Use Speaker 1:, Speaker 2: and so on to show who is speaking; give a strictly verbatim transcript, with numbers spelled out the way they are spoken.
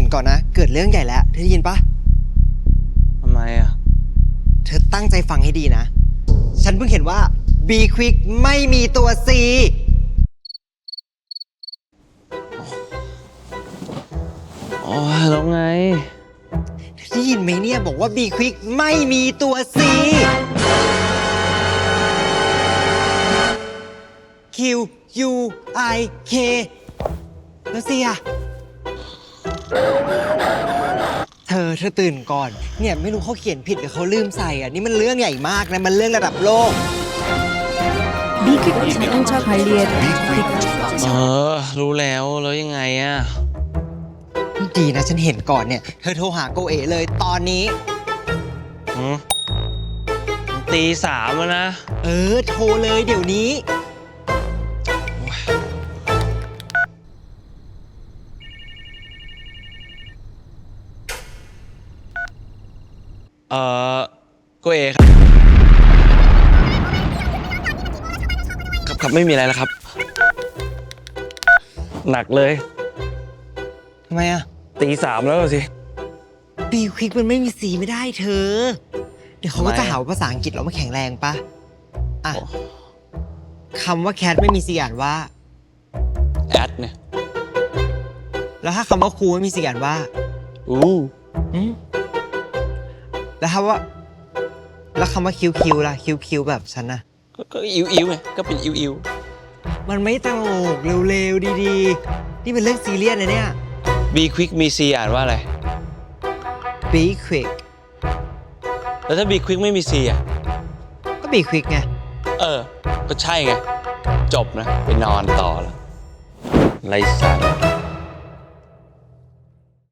Speaker 1: ก่อนนะเกิดเรื่องใหญ่แล้วเธอได้ยินปะ
Speaker 2: ทำไมอ่ะ
Speaker 1: เธอตั้งใจฟังให้ดีนะฉันเพิ่งเห็นว่า B Quick ไม่มีตัว C
Speaker 2: อ๋อแล้วไง
Speaker 1: เธอได้ยินไหมเนี่ยบอกว่า B Quick ไม่มีตัว C Q U I K แล้ว C อะเธอเธอตื่นก่อนเนี่ยไม่รู้เขาเขียนผิดหรือเขาลืมใส่อ่ะนี่มันเรื่องใหญ่มากนะมันเรื่องระดับโลก
Speaker 3: B Quick ist ein ultraviolett.
Speaker 2: เออรู้แล้วแล้วยังไงอ่ะ
Speaker 1: ดีนะฉันเห็นก่อนเนี่ยเธอโทรหาโกเอเลยตอนนี้
Speaker 2: หืมตีสามแล้วนะ
Speaker 1: เออโทรเลยเดี๋ยวนี้
Speaker 2: เออโกเอครับครับครับไม่มีอะไรแล้วครับหนักเลย
Speaker 1: ทำไมอะ
Speaker 2: ตีสามแล้วสิ
Speaker 1: B Quick มันไม่มีสีไม่ได้เธอเดี๋ยวเขาก็จะหาภาษาอังกฤษเราไม่แข็งแรงปะอ่ะคำว่า cat ไม่มีสีอ่านว่า
Speaker 2: แอดเนี่ย
Speaker 1: แล้วถ้าคำว่าครูไม่มีสีอ่านว่า
Speaker 2: อู้
Speaker 1: อืมแล้วถ้าว่าแล้วคำว่าคิวคิวล่ะคิวคิวแบบฉันนะ
Speaker 2: ก็อิวอิวไงก็เป็นอิวอิว
Speaker 1: มันไม่ตลกเร็วๆดีๆนี่เป็นเรื่องซีเรียสนะเนี่ย
Speaker 2: B Quick มี C อ่านว่าอะไร
Speaker 1: B Quick
Speaker 2: แล้วถ้า B Quick ไม่มี C อ่ะ
Speaker 1: ก็ B Quick ไง
Speaker 2: เออก็ใช่ไงจบนะไปนอนต่อแล้วไรสาระ